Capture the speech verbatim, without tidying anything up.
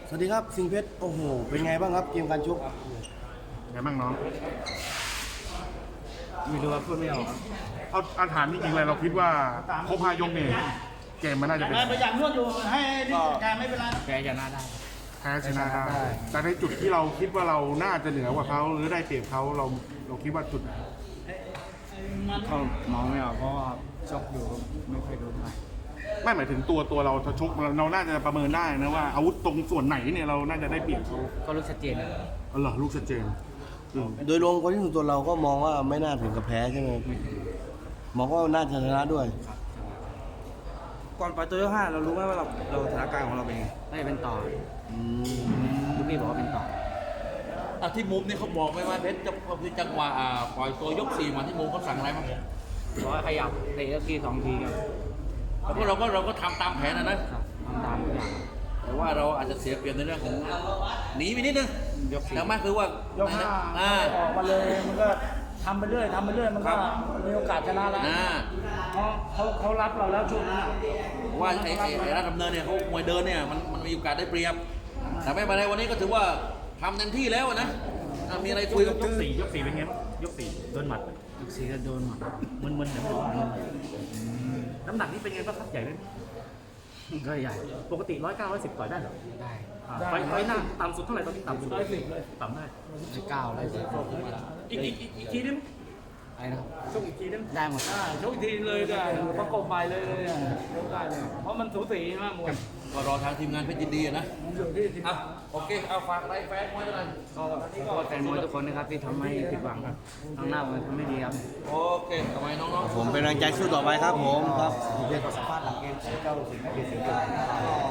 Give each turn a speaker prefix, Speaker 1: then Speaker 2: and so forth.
Speaker 1: สวัสดีครับสิงห์เพชรโอ้โหเป็นไงบ้างครับเกมการชก
Speaker 2: ไงบ้างน้อง
Speaker 1: ไม่รู้ว่าพูดไม่ออก
Speaker 2: เอาอาถามจริงๆเลยเราคิดว่าครบห้ายกเนี่ยเกมมันน่าจะเป็น
Speaker 3: ไปอย่างนวดอยู่ให้ดิการไม่เป็นไร
Speaker 1: แพ้ชนะได้
Speaker 2: แพ้ชนะได้แต่ในจุดที่เราคิดว่าเราน่าจะเหนือกว่าเขาหรือได้เปรียบเขาเราเราคิดว่าจุด
Speaker 1: เขามองไม่ออกเพราะว่าชกอยู่ไม่ค่อยรู้เท่าไหร่
Speaker 2: ไม่หมายถึงตัวตัวเราชกเราน่าจะประเมินได้นะว่าอาวุธตรงส่วนไหนเนี่ยเราน่าจะได้เปรียบเขา
Speaker 1: ก็ลูกชัดเจนนะ
Speaker 2: อ๋อเหรอลูกชัดเจน
Speaker 1: โดยรวมคนที่ถึงตัวเราก็มองว่าไม่น่าถึงกับแพ้ใช่ไหมมองว่าน่าจะชนะด้วย
Speaker 4: ก่อนไปตัวยกห้าเรารู้ไหมว่าเราเราสถานการณ์ของเราเป็นไง
Speaker 1: ไม่เป็นต่อลูกพี่บอกว่าเป็นต่อ
Speaker 3: อ่ะที่มุมนี่เขาบอกไหมว่าเพชรจะคือจังหวะปล่อยตัวยกสี่มาที่มุมเขาสั่งอะไรบ้าง
Speaker 1: บอกว่าขยับเตะทีสองทีครับ
Speaker 3: แล้วก็เราก็เราก็ทำตามแผนนะนะ
Speaker 1: ทำตามทุกอย่าง
Speaker 3: แต่ว่าเราอาจจะเสียเปรียบในเรื่องของหนีไปนิดนึงแต่ไม่คือว่าย
Speaker 4: กห้าออกมาเลยมันก็ทำไปเรื่อยทำไปเรื่อยมันก็มีโอกาสชนะแล้วเพราะเขาเขารับเราแล้วช่วงนี้
Speaker 3: ว่าไอ้ไอ้ราชดำเนินเนี่ยเขามวยเดินเนี่ยมันมันมีโอกาสได้เปรียบแต่ไม่เป็นไรวันนี้ก็ถือว่าทำเต็มที่แล้วนะมีอะไรคุยกับ
Speaker 2: ยกสี่ยกสี่เป็นไงยกสี่โดนหมัด
Speaker 1: ยกสี่ก็โดนหมัด
Speaker 2: มึนๆเดี๋ยวน้ำหนักนี่เป็นไงบ้างครับใหญ่ไหม
Speaker 1: ก็ใหญ่
Speaker 2: ปกติร้อยเก้าร้อยสิบต่อยได้เหรอ
Speaker 1: ได้
Speaker 2: ไฟไฟหน้าต่ำสุดเท่าไหร่ตอนนี้ต่ำสุดร้อยสิบเลยต่ำได้
Speaker 1: ร้อยเก้าร้อยสิบ
Speaker 2: อีกอีกอีกทีนึง
Speaker 1: อะไรนะ
Speaker 2: ชกอีกทีนึง
Speaker 1: ได้หมด
Speaker 4: ชกอีกทีเลยได้ประกบไปเลยเลยได้เลยเพราะมันสูสีมากมวย
Speaker 3: ก็รอทางทีมงานเพชรยินดีนะอ่ะโอเคเอาฝากอะไรแฟนมวยอะไร
Speaker 1: ก็ขอแฟนมวยทุกคนนะครับที่ทำให้ผิดหวังครับข้างหน้ามันทำไม่ดีครับ
Speaker 3: โอเคทำไมน้องๆ
Speaker 1: ผมเป็นแรงใจสู้ต่อไปครับผมครับเรียนสัมภาษณ์หลังเกมเจ้าสิงห์เพชรสิงห์